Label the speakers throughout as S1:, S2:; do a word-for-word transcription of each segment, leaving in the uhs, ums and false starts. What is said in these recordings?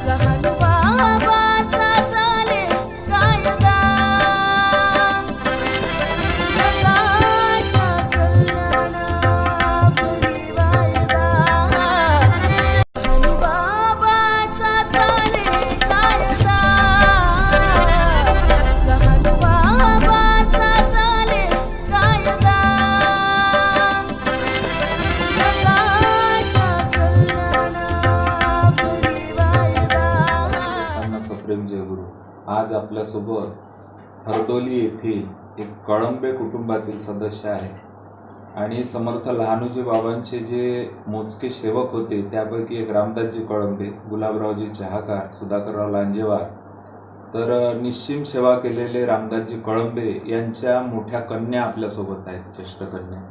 S1: आज आपल्यासोबत हरदोली येथील एक कळंबे कुटुंबातील सदस्य आहे आणि समर्थ लहानूजी बाबांचे जे मोजके सेवक होते त्यापैकी एक रामदासजी कळंबे, गुलाबरावजी चहाकार, सुधाकरराव लांजेवार, तर निश्चिम सेवा केलेले रामदासजी कळंबे यांच्या मोठ्या कन्या आपल्यासोबत आहेत, ज्येष्ठ कन्या.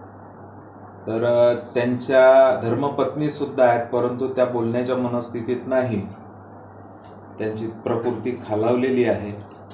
S1: तर त्यांच्या धर्मपत्नी सुद्धा आहेत, परंतु त्या बोलण्याच्या मनस्थितीत नाही, त्यांची प्रकृती खालावलेली आहे.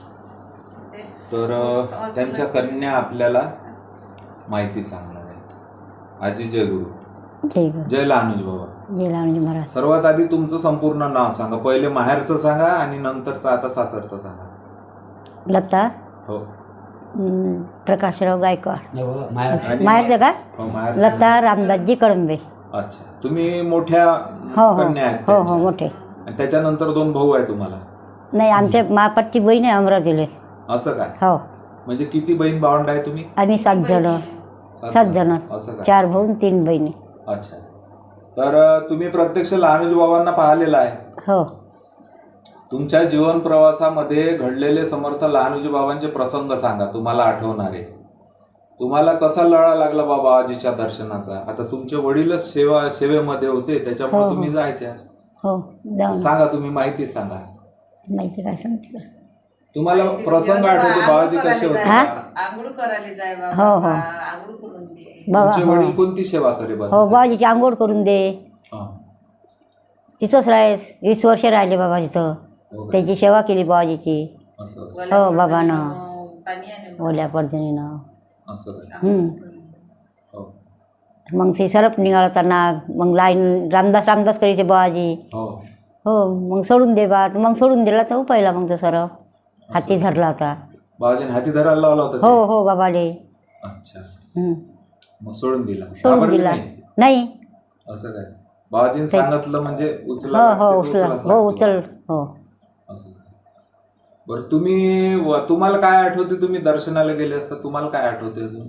S1: तर त्यांच्या कन्या आपल्याला माहिती सांगणार आहे. आजी जय गुरु.
S2: जय गुरु.
S1: जय लहानूजी बाबा.
S2: जय लहानूजी महाराज.
S1: सर्वात आधी तुमचं संपूर्ण नाव सांगा. पहिले माहेरचं सांगा आणि नंतरचं आता सासरचं सांगा.
S2: लता
S1: हो.
S2: प्रकाशराव गायकवाड.
S1: माहेरचं
S2: का?
S1: हो, माहेर.
S2: लता रामदासजी कळंबे.
S1: अच्छा, तुम्ही मोठ्या
S2: हो हो
S1: कन्या आहेत
S2: हो हो
S1: त्यांच्या.
S2: मोठे.
S1: आणि त्याच्यानंतर दोन भाऊ आहे तुम्हाला?
S2: नाही, आमच्या मापाटची बहीण आहे अमरावतीले.
S1: असं काय?
S2: हो.
S1: म्हणजे किती बहीण भावंड आहे तुम्ही?
S2: आम्ही सात जण. सात जण.
S1: असं काय?
S2: चार भाऊ तीन बहिणी.
S1: अच्छा. तर तुम्ही प्रत्यक्ष लहानूजी बाबांना पाहिलेलं आहे?
S2: हो.
S1: तुमच्या जीवन प्रवासामध्ये घडलेले समर्थ लहानूजी बाबांचे प्रसंग सांगा, तुम्हाला आठवणारे. तुम्हाला कसा लळा लागला बाबा आजीच्या दर्शनाचा? आता तुमचे वडीलच सेवा सेवेमध्ये होते, त्याच्यामुळे
S2: हो, हो.
S1: तुम्ही जायचे.
S2: हो, जाऊन
S1: सांगा, तुम्ही माहिती सांगा.
S2: माहिती काय सांगितलं
S1: तुम्हाला प्रसंग आठवतो बाबाजी कसे होते?
S3: आंघोळ करायला जाय बाबा.
S2: हो हो
S3: आंघोळ करून दे.
S2: बाबा.
S1: तुमचे वडील कोणती सेवा करे बाबा?
S2: हो, बाबाजीची आंघोळ करून दे.
S1: हा.
S2: तिथंच राह वीस वर्ष राहिले बाबा तिथं.
S1: हो.
S2: त्याची सेवा केली बाबाजीची.
S1: असं असं.
S3: ओल्या
S2: हो बाबानं.
S3: पडदणीनं, पाणी आणे.
S2: ओल्या पडदणीनं.
S1: असं काय?
S2: हम्म.
S1: हो.
S2: मग ते सरप निघाला नाग. मग लाईन रामदास रामदास करायचे बाबाजी.
S1: हो.
S2: हो. मग सोडून दे बा. मग सोडून दिला तर पहिला मग तो सरप हाती धरला होता.
S1: बाबाजीने हाती धरायला लावला होता ते?
S2: हो हो बाबाले.
S1: अच्छा.
S2: हम्म.
S1: मग सोडून दिला?
S2: सोडून
S1: घाबरले
S2: दिला
S1: नाही?
S2: नाही.
S1: असं काय? बाबाजीने सांगितलं म्हणजे उचला
S2: हो
S1: लागते,
S2: हो
S1: ते
S2: उचल
S1: उचलाच
S2: हो
S1: लागतो.
S2: उचल हो.
S1: असं काय? बरं, तुम्ही व- तुम्हाला काय आठवते? तुम्ही दर्शनाला गेले असता, तुम्हाला काय आठवते अजून?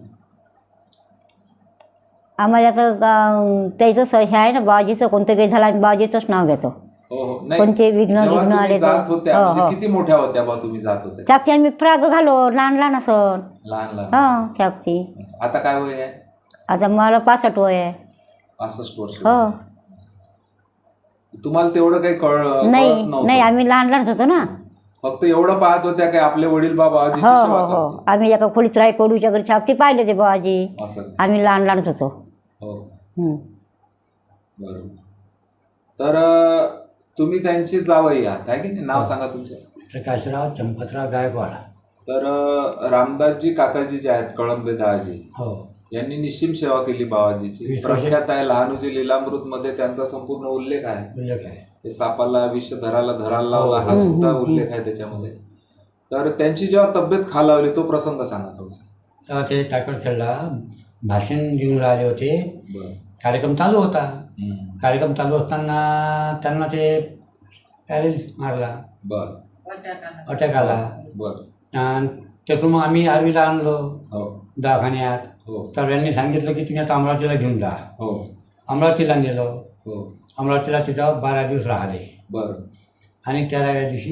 S2: आम्हाला आता गा- त्याचं हे आहे ना बाबाजीचं कोणतं काही झालं आम्ही बाबाजीचंच नाव घेतो.
S1: हो हो. नाही,
S2: कोणते विघ्न
S1: जेव्हा
S2: विघ्न
S1: तुम्ही
S2: आले तर-
S1: जात होत्या
S2: हो,
S1: म्हणजे
S2: हो.
S1: किती मोठ्या होत्या बा तुम्ही जात होत्या?
S2: त्याची आम्ही फ्राग घालो लहान लहान असं.
S1: लहान लहान.
S2: हो त्याची.
S1: असं. आता काय वय आहे?
S2: आता मला पासष्ट वय आहे.
S1: पासष्ट वर्ष.
S2: हो.
S1: तुम्हाला तेवढं काही कळ कळत
S2: नाही
S1: नव्हतं?
S2: नाही, आम्ही लहान लहान होतो ना.
S1: फक्त एवढं पाहत होत्या काय आपले वडील बाबा आजीची
S2: हो
S1: सेवा
S2: हो हो.
S1: करते?
S2: आम्ही एका खोलीत राही कोडूच्या घरी छापती पाहिले ते बाबाजी.
S1: असं काय?
S2: आम्ही लहान लहान होतो.
S1: हो.
S2: हम्म.
S1: बरोबर. तर अं, तुम्ही त्यांची जावई आहात आहे की नाही? नाव सांगा तुमचं.
S4: प्रकाशराव चंपतराव गायकवाड.
S1: तर अं, रामदासजी काकाजी जे आहेत कळंबे दहाजी,
S4: हो.
S1: यांनी निश्चिम सेवा केली बाबाजीची.
S4: वीस वर्ष.
S1: प्रख्यात आहे लहानूजी लीलामृत मध्ये त्यांचा संपूर्ण उल्लेख आहे.
S4: उल्लेख आहे.
S1: ते सापाला विष धराला धरायला लावला हा सुद्धा उल्लेख आहे त्याच्यामध्ये. तर त्यांची जेव्हा तब्येत खालावली तो प्रसंग सांगा थोडसा.
S4: तेव्हा ते टाकळखेडला भाषण देऊन राहिले होते.
S1: बरं.
S4: कार्यक्रम चालू होता.
S1: हम्म.
S4: कार्यक्रम चालू असताना त्यांना ते पॅरेलिस मारला,
S1: बरं.
S3: वाट्याकाला.
S4: अटॅक आला.
S1: बरं.
S4: आणि त्यातून मग आम्ही आर्वीला आणलो
S1: हो
S4: दवाखान्यात.
S1: हो
S4: सर्वांनी सांगितलं की तुम्ही आता अमरावतीला घेऊन जा.
S1: हो
S4: अमरावतीला नेलो.
S1: हो.
S4: अमरावतीला तिथं बारा दिवस राहिले
S1: बरं.
S4: आणि तेराव्या दिवशी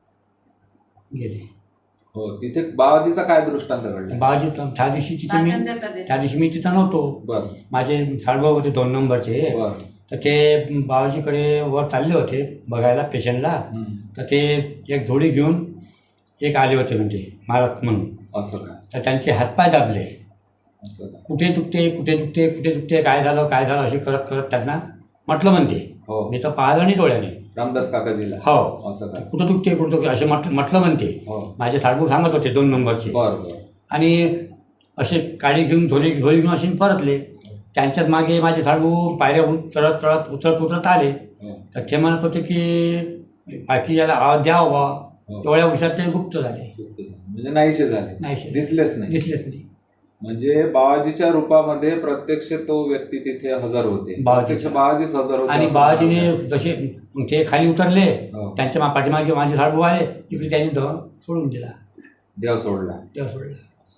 S4: गेले.
S1: हो. तिथे बाबाजीचा काय दृष्टांत घडला?
S4: बाबाजी त्या दिवशी तिथे मी
S3: भाषण देता देता.
S4: त्या दिवशी मी तिथं नव्हतो.
S1: बरं.
S4: माझे साडभाऊ होते दोन नंबरचे.
S1: बरं.
S4: तर ते बाबाजीकडे वर चालले होते बघायला पेशंटला.
S1: हम्म.
S4: तर ते एक झोडी घेऊन एक आले होते म्हणजे महाराज म्हणून.
S1: असं काय?
S4: तर त्यांचे हातपाय दाबले.
S1: असं काय?
S4: कुठे दुखते कुठे दुखते कुठे दुखते काय झालं काय झालं असे करत करत त्यांना म्हटलं म्हणते.
S1: हो.
S4: मी तर पाहिलं नाही डोळ्याने.
S1: रामदास काकाजीला?
S4: हो.
S1: असं काय?
S4: कुठं दुखते कुठं दुखते असे म्हटलं म्हटलं म्हणते.
S1: हो.
S4: माझे साडभाऊ सांगत होते दोन नंबरचे.
S1: बरं बरं.
S4: आणि असे काळी घेऊन झोली झोली घेऊन असे परतले. त्यांच्याच मागे माझे साडू पायऱ्या उं- चढत चढत उतरत उतरत आले.
S1: हो.
S4: तर ते म्हणत होते की बाकी याला आवाज द्यावा बा
S1: हो.
S4: एवढ्या वर्षात ते गुप्त झाले,
S1: म्हणजे नाहीसे झाले,
S4: नाहीसे.
S1: दिसलेच नाही.
S4: दिसलेच नाही.
S1: म्हणजे बाबाजीच्या रूपामध्ये प्रत्यक्ष तो व्यक्ती तिथे हजर होते,
S4: बाबाजी.
S1: प्रत्यक्ष बाबाजीच हजर होते
S4: आणि
S1: असं
S4: बाबाजीने
S1: म्हणायला.
S4: जसे मग ते खाली उतरले,
S1: हो.
S4: त्यांच्या मा- पाठीमागे माझे साडू आले, इकडे त्यांनी तो सोडून दिला,
S1: देव सोडला.
S4: देव सोडला.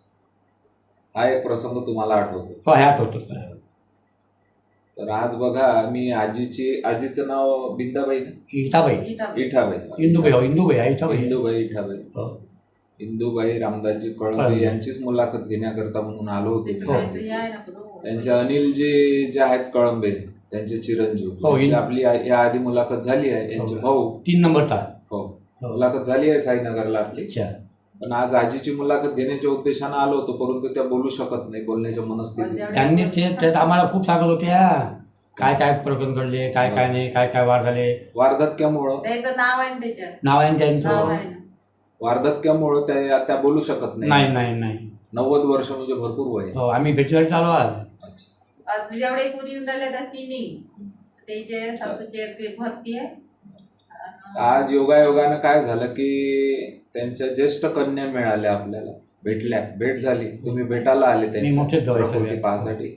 S1: हा एक प्रसंग तुम्हाला आठवतो.
S4: हो ह्यात होतो मला.
S1: तर आज बघा, मी आजीची आजीचं नाव बिंदाबाई ना?
S4: इटाबाई,
S3: इटाबाई.
S1: इठाबाई,
S4: इंदुबाई, हो इंदुबाई आहे, इटाबाई आहे.
S1: इंदुबाई इठाबाई,
S4: हो.
S1: इंदुबाई रामदासजी कळंबे
S4: कळंबे.
S1: यांचीच मुलाखत घेण्याकरता म्हणून आलो होतो.
S3: त्याचं
S1: मी.
S3: काहीतरी हे आहे ना बरोबर.
S1: त्यांचे अनिलजी जे आहेत कळंबे, त्यांचे चिरंजीव,
S4: हो,
S1: यांची
S4: इन-
S1: आपली आ- या आधी मुलाखत झाली आहे. यांचे
S4: हो.
S1: भाऊ,
S4: तीन नंबरचा.
S1: हो,
S4: हो.
S1: मुलाखत झाली आहे साईनगरला आपली.
S4: अच्छा.
S1: पण आज आजीची मुलाखत घेण्याच्या उद्देशानं आलो होतो, परंतु त्या बोलू शकत नाही, बोलण्याच्या मनस्थितीत.
S4: त्यांनी ते त्यात आम्हाला खूप सांगत होते हा, काय काय प्रकरण घडले, काय काय नाही, काय काय वार झाले.
S1: वार्धक्यामुळं
S3: त्याचं नाव आहे ना त्याच्यात.
S4: नाव आहे ना
S3: नाव
S4: त्यांचं.
S3: आहे ना.
S1: वार्धक्यामुळं त्या त्या बोलू शकत
S4: नाही नाही नाही.
S1: नव्वद वर्ष म्हणजे भरपूर वय आहे.
S4: हो आम्ही भेटीगाठी चालू आज.
S1: अच्छा.
S3: आज जेवढे पुरी येऊन राहिले त्या तिन्ही त्याचे सासूची एक भरती आहे. आणि
S1: आज योगायोगानं काय झालं की त्यांच्या ज्येष्ठ कन्या मिळाल्या, आपल्याला भेटल्या, भेट झाली. तुम्ही भेटायला आले
S4: मी मोठेच
S1: त्यांच्या
S4: जवळ
S1: प्रकृती
S4: सगळे.
S1: पाहण्यासाठी.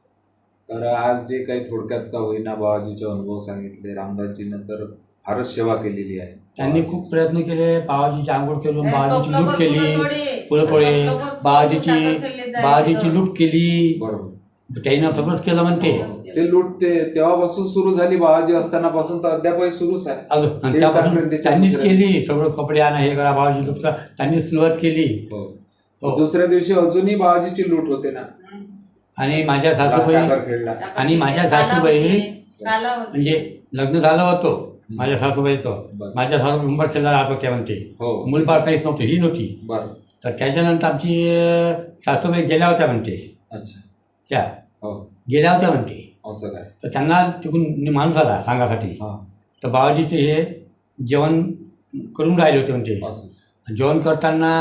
S1: तर आज जे काही थोडक्यात का होईना बाबाजीचे अनुभव सांगितले, रामदासजीनं तर फारच सेवा केलेली आहे.
S4: त्यांनी खूप प्रयत्न केले, बाबाजीची आंघोळ केली,
S3: हे
S4: बाबाजीची
S3: टोपलं
S4: लूट
S3: पण
S4: केली,
S3: फुलं तोडे.
S4: फुलं तोडे,
S3: टोपलं पण फुलं
S4: बाबाजीची
S3: टाकत फिरले जायचे
S4: बाबाजीची
S3: तर.
S4: लूट केली.
S1: बरोबर.
S4: त्यानं सगळंच केलं म्हणते.
S1: ते लूट ते तेव्हापासून सुरू झाली, बाबाजी असताना पासून तर अद्यापही सुरूच आहे.
S4: अजून आणि
S1: दीड
S4: त्यापासून
S1: संक्रांतीच्या
S4: त्यांनीच
S1: दुसऱ्या-
S4: केली, सगळं कपडे आणा, हे करा, बाबाजी लूट करा, त्यांनीच सुरुवात केली.
S1: हो.
S4: हो.
S1: दुसऱ्या दिवशी अजूनही बाबाजीची लूट होते ना,
S3: हम्म.
S4: आणि माझ्या सासूबाई
S1: टाकर खेळला.
S4: आणि माझ्या
S3: काला
S4: सासूबाई
S3: होते, काला होते.
S4: म्हणजे लग्न झालं होतं माझ्या सासूबाईचं.
S1: बरं.
S4: माझ्या सासू उंबरखेडला राहत होत्या म्हणते.
S1: हो.
S4: मुलबाळ काहीच नव्हतं, ही नव्हती.
S1: बरं.
S4: तर त्याच्यानंतर आमची अं, सासूबाई गेल्या होत्या म्हणते.
S1: अच्छा.
S4: त्या
S1: हो.
S4: गेल्या होत्या म्हणते.
S1: असं काय?
S4: तर त्यांना तिकडून माणूस आला सांगासाठी.
S1: हा.
S4: तर बाबाजीचे हे जेवण करून राहिले होते म्हणते.
S1: असं.
S4: जेवण करताना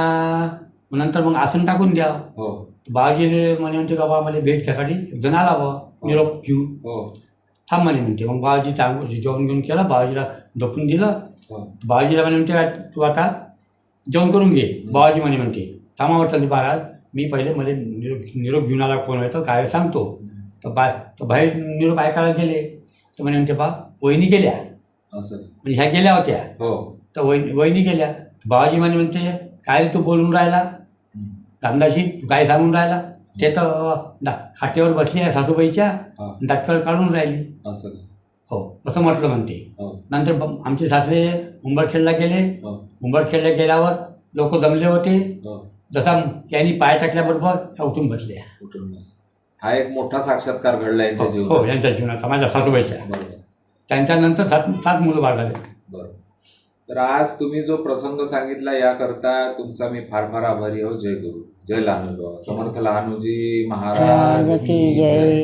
S4: नंतर मग आसन टाकून द्या.
S1: हो.
S4: तर बाबाजी म्हणे म्हणते का बा मला भेट घ्यासाठी एक जण आला बा निरोप घेऊन.
S1: हो.
S4: थांब म्हणे म्हणते. मग बाबाजी चांगलं जेवण घेऊन केलं, बाबाजीला झोपून दिलं.
S1: हो.
S4: बाबाजीला म्हणे म्हणते "काय तू आता जेवण करून घे." बाबाजी म्हणे म्हणते थांबा म्हटलं महाराज, मी पहिले मला निरोप निरोप घेऊन आला कोण येतो काय सांगतो. तर बा तर बाहेर निरोप ऐकायला गेले. तर म्हणे म्हणते बा वहिनी गेल्या,
S1: असं.
S4: म्हणजे ह्या गेल्या होत्या.
S1: हो.
S4: तर वहिनी वहिनी गेल्या. बाबाजी म्हणे म्हणते काय रे तू बोलून राहिला
S1: हम्म.
S4: रामदासी, तू काय सांगून राहिला. ते तर दा खाटेवर बसली आहे सासूबाईच्या,
S1: हा.
S4: दातकळ काढून राहिली.
S1: असं काय?
S4: हो असं म्हटलं म्हणते.
S1: हो.
S4: नंतर ब- आमचे सासरे उंबरखेडला गेले.
S1: हो.
S4: उंबरखेडला गेल्यावर लोक जमले होते.
S1: हो.
S4: जसा यांनी पाय टाकल्याबरोबर त्या उठून बसल्या.
S1: कुटुंब. हा एक मोठा साक्षात्कार घडला यांच्या
S4: हो
S1: जीवनात.
S4: यांच्या जीवनाचा, माझ्या सासूबाईच्या.
S1: बरोबर.
S4: त्यांच्यानंतर सात सात मुलं बाळ झाले.
S1: बरोबर. तर आज तुम्ही जो प्रसंग सांगितला याकरता तुमचा मी फार फार आभारी आहो. जय गुरु, जय लहानू बाबा, समर्थ लहानूजी महाराज
S2: राज की जय.